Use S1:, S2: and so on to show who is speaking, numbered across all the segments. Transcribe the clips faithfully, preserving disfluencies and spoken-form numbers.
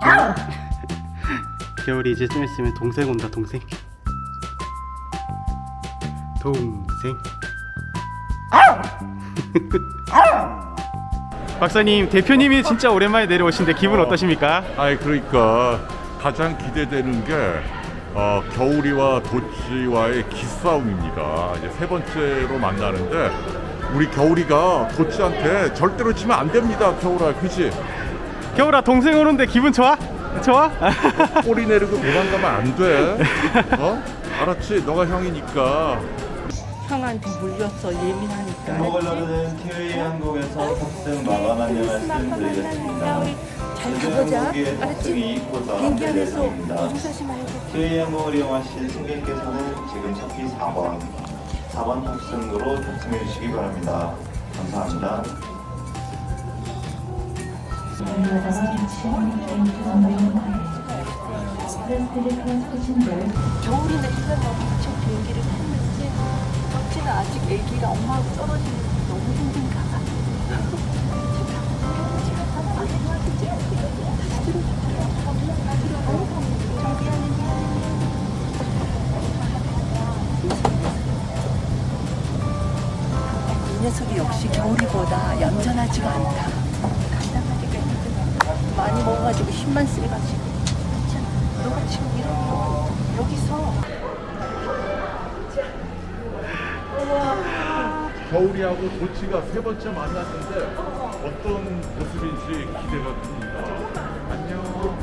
S1: 겨울이 이제 좀 있으면 동생 온다. 동생 동생 박사님, 대표님이 진짜 오랜만에 내려오신데 기분 어떠십니까?
S2: 아이 그러니까 가장 기대되는 게 어, 겨울이와 도찌와의 기싸움입니다. 이제 세 번째로 만나는데 우리 겨울이가 도찌한테 절대로 지면 안 됩니다. 겨울아, 그지?
S1: 겨울아, 동생 오는데 기분 좋아? 좋아?
S2: 꼬리 내리고 도망가면 안 돼. 어? 알았지? 너가 형이니까.
S3: 형한테 물렸어. 예민하니까.
S4: 먹으려면 티웨이 항공에서 탑승 마감 안내 말씀드리겠습니다.
S3: 잘 가보자. 알았지? 비행기 안에서 조사하지 말고.
S4: 티웨이 항공을 이용하실 승객께서는 지금 차피 사 번, 사 번 탑승으로 탑승해 주시기 바랍니다. 감사합니다.
S3: 겨울이는 일단 너무 미쳐 비행기를 탔는지 덕지는 아직 애기가 엄마하고 떨어지는 게 너무 힘든가 봐. 이 녀석이 역시 겨울이보다 얌전하지가 않다. 간단하기가 힘들어. 많이 먹어가지고 힘만 세가지고. 자, 너가 지금 이러고 여기서
S2: 겨울이하고 도찌가 세 번째 만났는데 어떤 모습인지 기대가 됩니다. 안녕.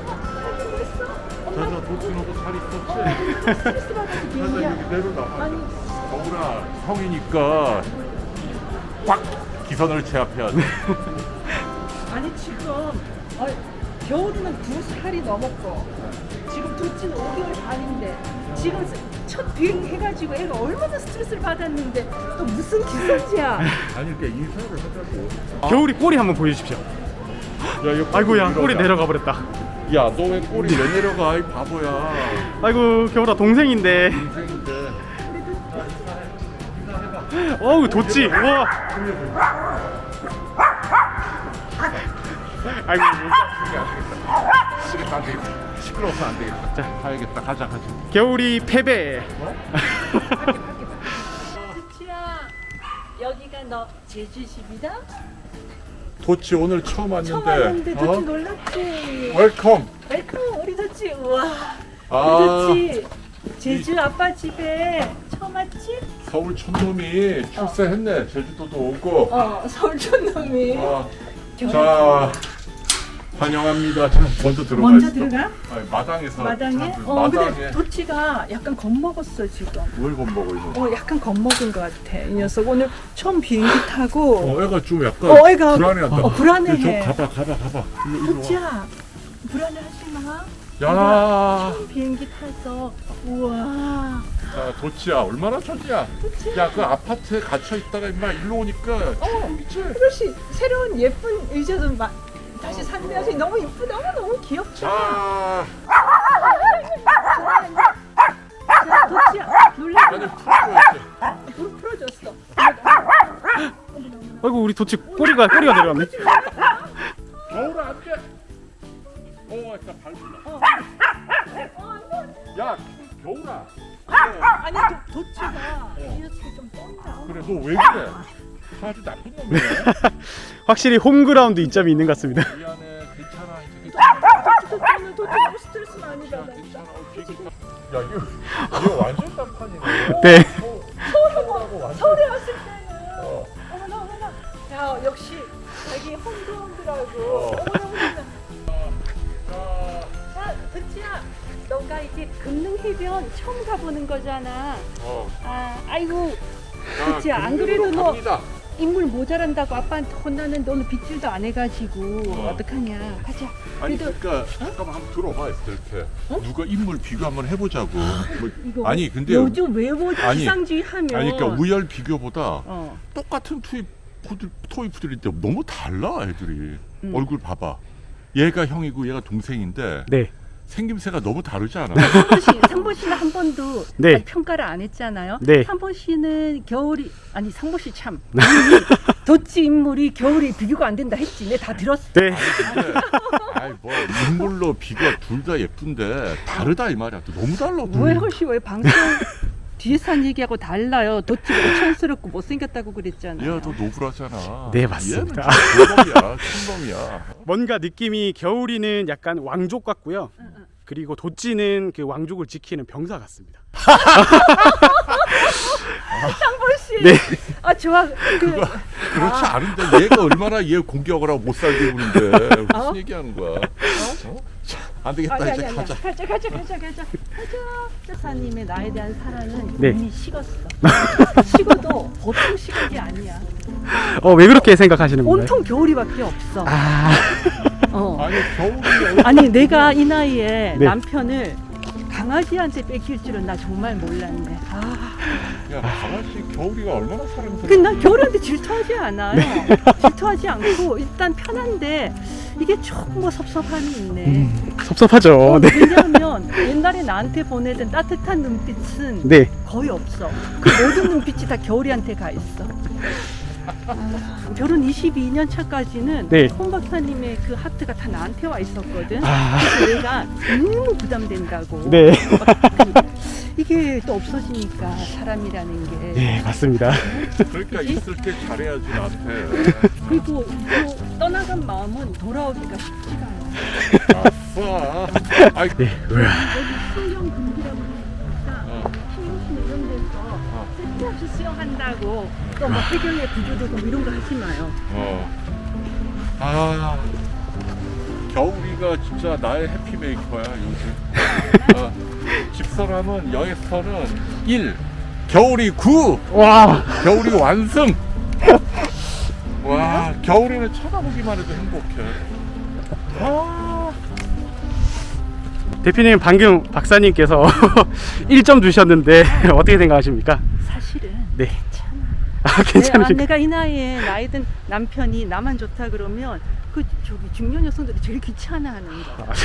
S2: 자자, 도찌 너도 잘 있었지? 자자, 여기 내려놔. 겨울아, 형이니까 꽉 기선을 제압해야 돼.
S5: 아니 지금 어, 겨울이는 두 살이 넘었고 지금 둘째는 오 개월 반인데 지금 첫 비행 해가지고 애가 얼마나 스트레스를 받았는데 또 무슨 기선제야.
S2: 아니, 그러니까 인사를 하자고.
S1: 겨울이 꼬리 한번 보여주십시오.
S2: 야, 이거
S1: 아이고야,
S2: 내려가.
S1: 꼬리 내려가 버렸다.
S2: 야, 너 왜 꼬리 왜 내려가? 이 바보야.
S1: 아이고, 겨울아, 동생인데.
S2: 인생인데.
S1: 어우, 도찌. 우와. 아이고.
S2: 시끄러워, 안 되겠다. 시끄러워서 안 되겠다. 자, 가야겠다. 가자, 가자.
S1: 겨울이 패배.
S5: 도치야 여기가 너 제주집이다?
S2: 도치 오늘 처음 왔는데.
S5: 처음 왔는데 도치
S2: 어?
S5: 놀랐지?
S2: 웰컴.
S5: 웰컴 우리 도치. 우와
S2: 아,
S5: 우리 도치 제주 아빠 집에 처음 왔지?
S2: 서울 촌놈이 출세했네. 제주도도 오고.
S5: 어 서울 촌놈이.
S2: 어. 자, 환영합니다. 자, 먼저 들어가.
S5: 먼저
S2: 있어.
S5: 들어가?
S2: 아니, 마당에서.
S5: 마당에?
S2: 자,
S5: 어
S2: 마당에.
S5: 근데 도치가 약간 겁먹었어 지금.
S2: 뭘 겁먹어 이거?
S5: 어 약간 겁먹은 것 같아 이 녀석. 오늘 처음 비행기 타고
S2: 어, 애가 좀 약간
S5: 어, 애가-
S2: 불안해한다.
S5: 어, 불안해해.
S2: 좀 가봐, 가봐, 가봐. 일로, 일로 와.
S5: 도치야 불안해하지 마.
S2: 야,
S5: 처음 비행기 타서 우와.
S2: 자, 도치야, 얼마나 좋냐? 야, 그 아파트에 갇혀 있다가 임마 일로 오니까
S5: 어
S2: 미치.
S5: 그렇지. 새로운 예쁜 의자도 마, 다시 산대야지. 너무 이쁘다. 너무 너무 귀엽다.
S2: 자,
S5: 자, 도치야 놀라.
S2: 아니 풀어줘야지.
S5: 불 풀어줬어.
S1: 아이고, 우리 도찌 꼬리가 꼬리가 내려왔네.
S2: 겨울아 안 돼. 어, 일단 밟는다.
S5: 어.
S2: 야, 겨울아.
S5: 아니 도, 도치가 이 녀석이 좀 떤다.
S2: 그래, 너 왜 그래? 아주 나쁜 놈이야.
S1: 확실히 홈그라운드 이점이 있는 것 같습니다.
S2: 미안해, 괜찮아, 이제 괜찮아.
S5: 도치는 도치 너무 스트레스 많이 받아.
S2: 괜찮아. 어, 비행기 타- 야, 이거 이거 완전 딴판이네.
S1: 네.
S2: 서울하고 완전.
S5: 서울에 왔을 때는
S2: 어.
S5: 어머나 어머나. 야 역시 자기 홈그라운드라고.
S2: 어.
S5: 어머나 어머나. 자, 도치야, 너가 이제 금능 해변 처음 가보는 거잖아.
S2: 어.
S5: 아, 아이고,
S2: 자,
S5: 그치, 안
S2: 금융으로
S5: 그래도 너-
S2: 갑니다.
S5: 인물 모자란다고 아빠한테 혼나는 너는 빗질도 안 해가지고
S2: 어.
S5: 어떡하냐. 가자.
S2: 아니
S5: 그래도
S2: 그러니까 잠깐만 한번 들어봐 이렇게 누가 인물 비교 한번 해보자고. 뭐,
S5: 이거
S2: 아니 근데
S5: 요즘 외모
S2: 아니,
S5: 지상주의 하면.
S2: 아니 그러니까 우열 비교보다
S5: 어.
S2: 똑같은 투입 토이프들인데 너무 달라 애들이.
S5: 음.
S2: 얼굴 봐봐. 얘가 형이고 얘가 동생인데
S1: 네.
S2: 생김새가 너무 다르지 않아?
S5: 상보 씨, 상보 씨는 한 번도
S1: 네.
S5: 평가를 안 했잖아요.
S1: 네.
S5: 상보 씨는 겨울이 아니 상보 씨 참 도치 인물이 겨울이 비교가 안 된다 했지. 내 다 들었어.
S1: 네.
S2: 근데 아이 뭐 인물로 비가 둘 다 예쁜데 다르다 이 말이야. 또 너무 달라.
S5: 왜 혹시 왜 방송 뒤에서 한 얘기하고 달라요? 도치가 오천스럽고 못생겼다고 그랬잖아요.
S2: 얘가 더 노블하잖아.
S1: 네, 맞습니다.
S2: 얘는 놈이야, 놈이야.
S1: 뭔가 느낌이 겨울이는 약간 왕족 같고요. 그리고 도찌는 그 왕족을 지키는 병사 같습니다.
S5: 상보 씨.
S1: 네.
S5: 아 좋아. 그
S2: 그렇지 않은데 얘가 얼마나 얘 공격을 하고 못 살게 구는데 무슨
S5: 어?
S2: 얘기하는 거야? 어? 자, 안 되겠다.
S5: 아니,
S2: 이제
S5: 아니,
S2: 가자.
S5: 아니, 가자 가자 가자 가자 가자. 사님의 나에 대한 사랑은
S1: 네.
S5: 이미 식었어. 식어도 보통 식은 게 아니야.
S1: 어, 왜 그렇게 생각하시는 건가요?
S5: 온통 겨울이밖에 없어.
S1: 아,
S5: 어.
S2: 아니 겨울이
S5: 아니 내가 이 나이에
S1: 네.
S5: 남편을 강아지한테 뺏길 줄은 나 정말 몰랐네. 아,
S2: 야 강아지 겨울이가 얼마나 사랑스러워.
S5: 근데 나 겨울한테 질투하지 않아요. 질투하지 않고 일단 편한데 이게 조금 뭐 섭섭함이 있네.
S1: 음, 섭섭하죠.
S5: 어,
S1: 네.
S5: 왜냐하면 옛날에 나한테 보내던 따뜻한 눈빛은
S1: 네.
S5: 거의 없어. 그 모든 눈빛이 다 겨울이한테 가 있어. 아, 결혼 이십이 년 차까지는
S1: 네.
S5: 홍 박사님의 그 하트가 다 나한테 와 있었거든.
S1: 아,
S5: 그래서 내가 너무 부담된다고.
S1: 네.
S5: 그, 이게 또 없어지니까 사람이라는 게.
S1: 네, 맞습니다.
S2: 그러니까 있을 때 잘해야지 나한테.
S5: 그리고 또 떠나간 마음은 돌아오기가 쉽지가 않아.
S2: 아싸. 아이
S1: 네. 우와.
S5: 여기 수영 금기라고 그러니까
S2: 어.
S5: 신용신 이런 데서 쓸데없이 수영한다고 또 뭐 해경의 구조되고 뭐 이런 거 하지 마요.
S2: 어. 아 겨울이가 진짜 나의 해피메이커야 요즘. 어. 집사람은 여에서는 일, 겨울이 구,
S1: 와.
S2: 겨울이 완승. 와 겨울이는 쳐다보기만 해도 행복해. 아.
S1: 대표님 방금 박사님께서 일 점 주셨는데 어떻게 생각하십니까?
S5: 사실은
S1: 네.
S5: 괜찮아.
S1: 아,
S5: 내가,
S1: 괜찮으십니까?
S5: 내가 이 나이에 나이 든 남편이 나만 좋다 그러면 그 저기 중년 여성들이 제일 귀찮아하는 거.
S1: 아,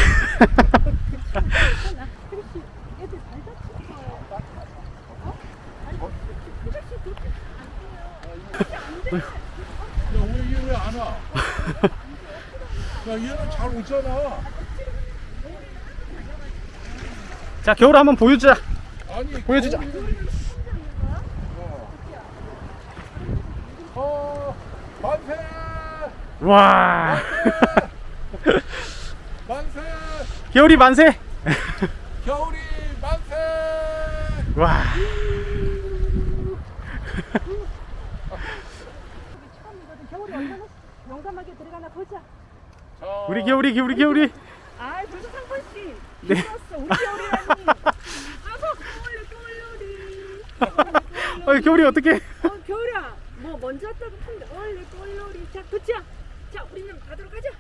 S5: 괜찮아. 그렇지. 애들 잘 다치는 거. 어? 아니, 그렇지. 그렇지. 안 돼요.
S2: 야 오늘 얘 왜 안 와? 야 얘는 잘 오잖아.
S1: 자, 겨울 한번 보여주자.
S2: 아니
S1: 보여주자.
S2: 어 만세
S1: 와.
S2: 만세
S1: 겨울이 만세.
S2: 겨울이 만세.
S1: 와.
S5: 처음이거든. 겨울이 얼마나 용감하게 들어가나 보자.
S2: 자,
S1: 우리 겨울이 겨울이 겨울이.
S5: 아, 벌써 상권 씨.
S1: 네.
S5: 힘들었어. 우리 겨울이라니. 아서 겨울이 겨울이.
S1: 어, 겨울이 어떻게?
S5: 어, 겨울아. 뭐 먼저 왔다고 한다. 얼레 겨울이. 자, 도치야. 자, 우리는 가도록 하자.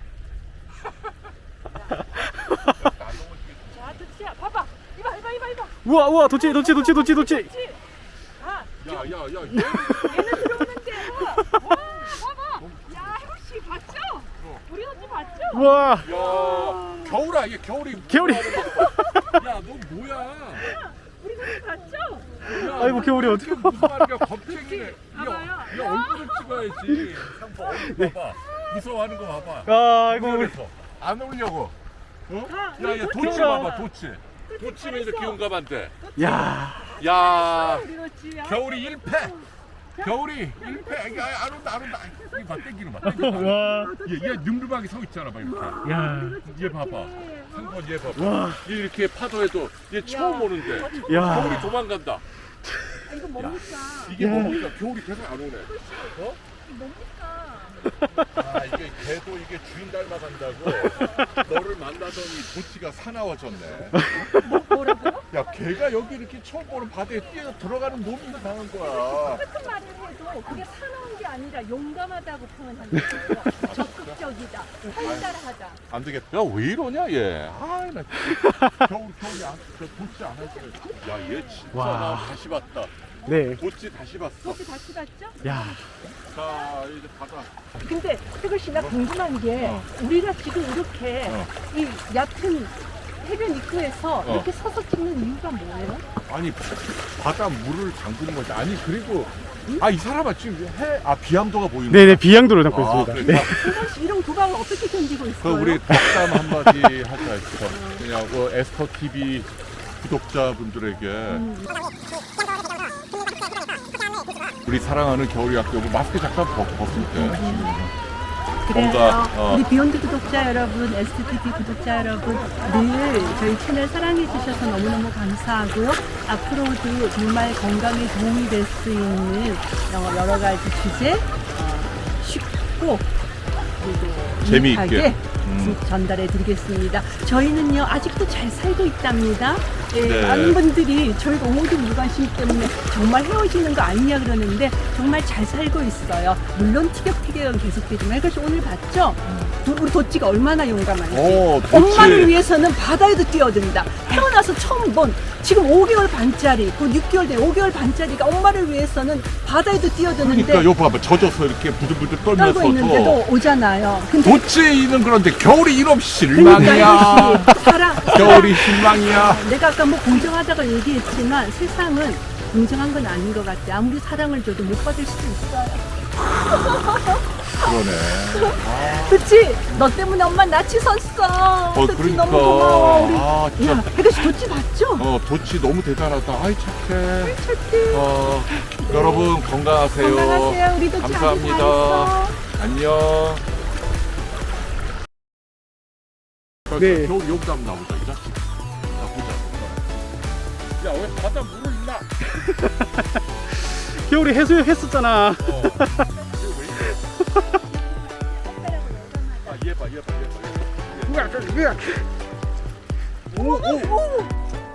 S5: 자, 도치야. 봐봐. 이봐, 이봐, 이봐, 이봐.
S1: 우와, 우와, 도치, 도치, 도치, 도치, 도치.
S5: 도치. 아,
S2: 야야야
S5: 얘는 들어오는데. 와, 봐봐. 야, 해국 씨 봤죠? 우리 도치 봤죠?
S1: 우와.
S2: 야 겨울아 얘 겨울이
S1: 겨울이.
S2: 야너 뭐야?
S5: 우리 도치 봤죠?
S2: 야,
S1: 아이고,
S2: 너
S1: 겨울이
S2: 지금
S1: 어떡해.
S2: 무슨 말이야 겁쟁이네.
S5: 봐봐요.
S2: 야, 야 얼굴을 찍어야지. 상보 얼굴 봐봐. 무서워하는 거 봐봐.
S1: 아, 아이고 우리.
S2: 그래서 안 오려고. 어?
S5: 아,
S2: 야야
S5: 우리
S2: 도치
S1: 겨울아.
S2: 봐봐 도치. 도치는 이렇게 용감한데.
S1: 야.
S2: 야
S5: 우리 도치. 아,
S2: 겨울이 일 패. 겨울이 일 패. 야, 안 온다 안 온다. 이거 봐 땡기는 봐. 땡기는 봐.
S1: 와.
S2: 얘, 얘 늠름하게 서 있잖아 봐 이렇게.
S1: 야.
S2: 얘 봐봐. 상권 얘 봐봐.
S1: 와.
S2: 얘 이렇게 파도에도 얘 처음 오는데
S1: 야.
S2: 겨울이 도망간다.
S5: 아, 이거 뭡니까?
S2: 이게
S1: 야.
S2: 뭡니까? 겨울이 계속 안 오네. 어?
S5: 뭡니까?
S2: 아 이게 개도 이게 주인 닮아간다고 너를 만나더니 도치가 사나워졌네.
S5: 뭐, 뭐라고요?
S2: 야 개가 여기 이렇게 처음 보는 바다에 뛰어 들어가는 놈이 당한 거야.
S5: 똑같은 말을 해도 그게 사나운 게 아니라 용감하다고 표현하는 거죠. 적극적이다, 활달하다.
S2: 안 되겠다. 야 왜 이러냐 얘. 아나 겨울 겨울이 안, 저 도치 안 할게. 야얘 진짜
S1: 와.
S2: 나 다시 봤다.
S1: 네.
S2: 도치 다시 봤어.
S5: 혹시 다시 봤죠?
S1: 야.
S2: 자 이제 바다.
S5: 근데 태글 씨 나 궁금한 게
S2: 어.
S5: 우리가 지금 이렇게
S2: 어.
S5: 이 얕은 해변 입구에서
S2: 어.
S5: 이렇게 서서 찍는 이유가 뭐예요?
S2: 아니 바다 물을 담그는 거지. 아니 그리고 아 이 사람아 지금 해 아 비암도가 보이는
S1: 네네
S2: 거야?
S1: 비양도를 담고
S2: 아,
S1: 있습니다.
S2: 그러니까
S1: 네.
S5: 승관 씨 이런 도박을 어떻게 견디고
S2: 그
S5: 있어요?
S2: 우리 덕담 한마디 하자 싶어. 그냥 그 에스터 티비 구독자분들에게 우리 사랑하는 겨울이 학교 마스크 잠깐 벗, 벗을 때
S5: 그래요.
S2: 뭔가, 어.
S5: 우리 비욘드 구독자 여러분, 에스티티비 구독자 여러분, 늘 저희 채널 사랑해 주셔서 너무너무 감사하고요. 앞으로도 정말 건강에 도움이 될 수 있는 여러 가지 주제 어, 쉽고 그리고
S2: 재미있게.
S5: 유익하게
S2: 음.
S5: 전달해 드리겠습니다. 저희는요 아직도 잘 살고 있답니다. 예,
S2: 네.
S5: 많은 분들이 저희가 모두 무관심 때문에 정말 헤어지는 거 아니냐 그러는데 정말 잘 살고 있어요. 물론 티격태격은 계속되지만 이것이 오늘 봤죠? 도- 우리 도찌가 얼마나 용감한지.
S2: 오, 도찌.
S5: 엄마를 위해서는 바다에도 뛰어든다. 태어나서 처음 본 지금 오 개월 반짜리, 곧 육 개월 된 오 개월 반짜리가 엄마를 위해서는 바다에도 뛰어드는데
S2: 그러니까 요 봐봐 젖어서 이렇게 부들부들
S5: 떨고 있는데도
S2: 떨면서도
S5: 오잖아요. 근데
S2: 도치는 그런데 겨울이 이놈
S5: 그러니까
S2: 실망이야.
S5: 이것이 사랑,
S2: 겨울이 실망이야.
S5: 내가 아까 뭐 공정하다고 얘기했지만 세상은 공정한 건 아닌 것 같아. 아무리 사랑을 줘도 못 받을 수도 있어요.
S2: 그러네.
S5: 그치? 너 때문에 엄마 낯이 섰어.
S2: 어,
S5: 도치
S2: 그러니까.
S5: 너무 고마워. 우리.
S2: 아, 진짜.
S5: 야, 혜가씨 도치 봤죠?
S2: 어, 도치 너무 대단하다. 아이, 착해.
S5: 착해.
S2: 어, 여러분 건강하세요.
S5: 건강하세요. 우리 도치 아주
S2: 감사합니다.
S5: 잘했어.
S2: 안녕.
S1: 네.
S2: 겨울 여기다 한번 나보자, 이 자식. 자, 보자. 야, 왜 바다 물을 나?
S1: 겨울이 해수욕 했었잖아.
S2: 어. 이거 왜 이래? 아, 얘 봐, 얘 봐, 얘 봐, 얘 봐. 오, 오, 오.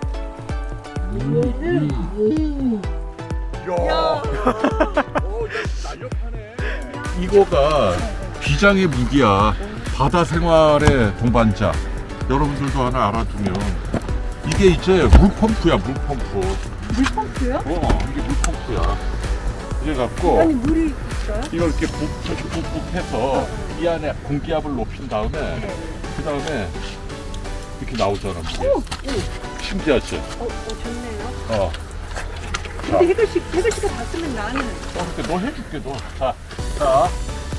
S2: 야. 어, 야, 날렵하네. 이거가 비장의 무기야. 바다 생활의 동반자. 여러분들도 하나 알아두면 이게 이제 물펌프야, 물펌프.
S5: 물펌프요?
S2: 어, 이게 물펌프야. 이래 갖고
S5: 아니 물이 있어요?
S2: 이걸 이렇게 북, 북북 해서 이 안에 공기압을 높인 다음에 그 다음에 이렇게 나오잖아. 물이.
S5: 오, 오.
S2: 신기하지?
S5: 어, 어 좋네요.
S2: 어.
S5: 근데 혜글씨, 혜글씨가 봤으면 나는
S2: 어, 근데 너 해줄게, 너. 자, 자.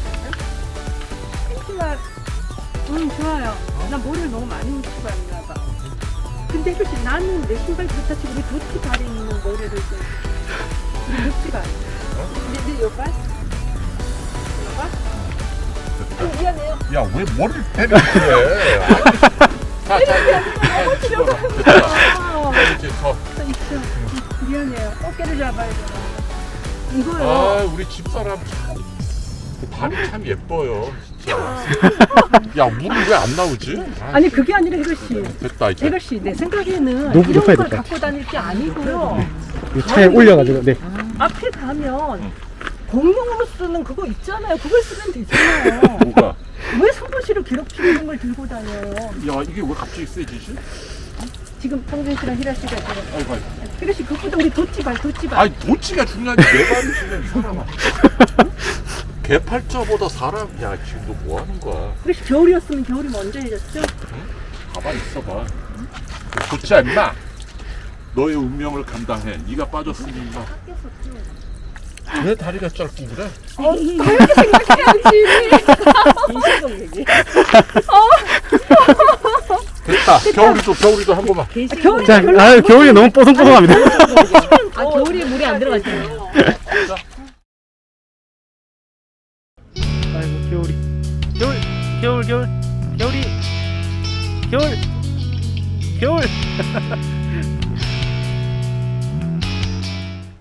S5: 팬티가 음 좋아요. 나 머리를 너무 많이 묻히고 왔나 봐. 근데 혜글씨 나는 내 신발 좋다 치고 우리 도티 발에 있는 모래를 좀 우리 도티가 근데 내 여발? 여발? 어, 미안해요.
S2: 야, 왜 머리를 때려 그래? 자, 자,
S5: 넘어지려고
S2: 됐다.
S5: 하는 거야.
S2: 이제 더.
S5: 또 있어. 미안해요. 어깨를 잡아야 돼. 이거요.
S2: 아, 우리 집사람 참 발이 참 예뻐요, 진짜. 야, 물이 왜 안 나오지? 아,
S5: 아니 그게 아니라 혜글씨.
S2: 됐다 이제.
S5: 혜글씨 내 생각에는
S1: 너무
S5: 이런
S1: 높아야
S5: 걸
S1: 될것
S5: 갖고 다닐 게 아니고요.
S1: 이 차에 올려가지고 네.
S5: 앞에 가면 공용으로 쓰는 그거 있잖아요. 그걸 쓰면 되잖아요.
S2: 뭐가?
S5: 왜 손보시로 기록주 이런 걸 들고 다녀요?
S2: 야, 이게 왜 갑자기 세지지?
S5: 지금 성준 씨랑 희라 씨가 지금
S2: 아이고, 아이고.
S5: 희라 씨 그것보다 우리 도치발 도치발.
S2: 아니, 도치가 중요한지 내 발이 중요해, 이 사람아. 개팔자보다 사람, 야, 지금 너 뭐 하는 거야?
S5: 희라 씨 겨울이었으면 겨울이 먼저 해졌죠?
S2: 가만 있어봐. 도치야, 임마. 너의 운명을 감당해. 네가 빠졌으니 임마. 왜 다리가 짧고 그래?
S5: 어, 그렇게 생각해야지. 인식적 얘기.
S2: 됐다. 겨울이도 겨울이도 한 번만.
S5: 겨울이
S1: 자, 아, 겨울이 너무 뽀송뽀송합니다.
S5: 아 겨울이 물이 안 들어갔잖아요.
S1: 아이고 겨울이. 겨울, 겨울, 겨울, 겨울이, 겨울, 겨울.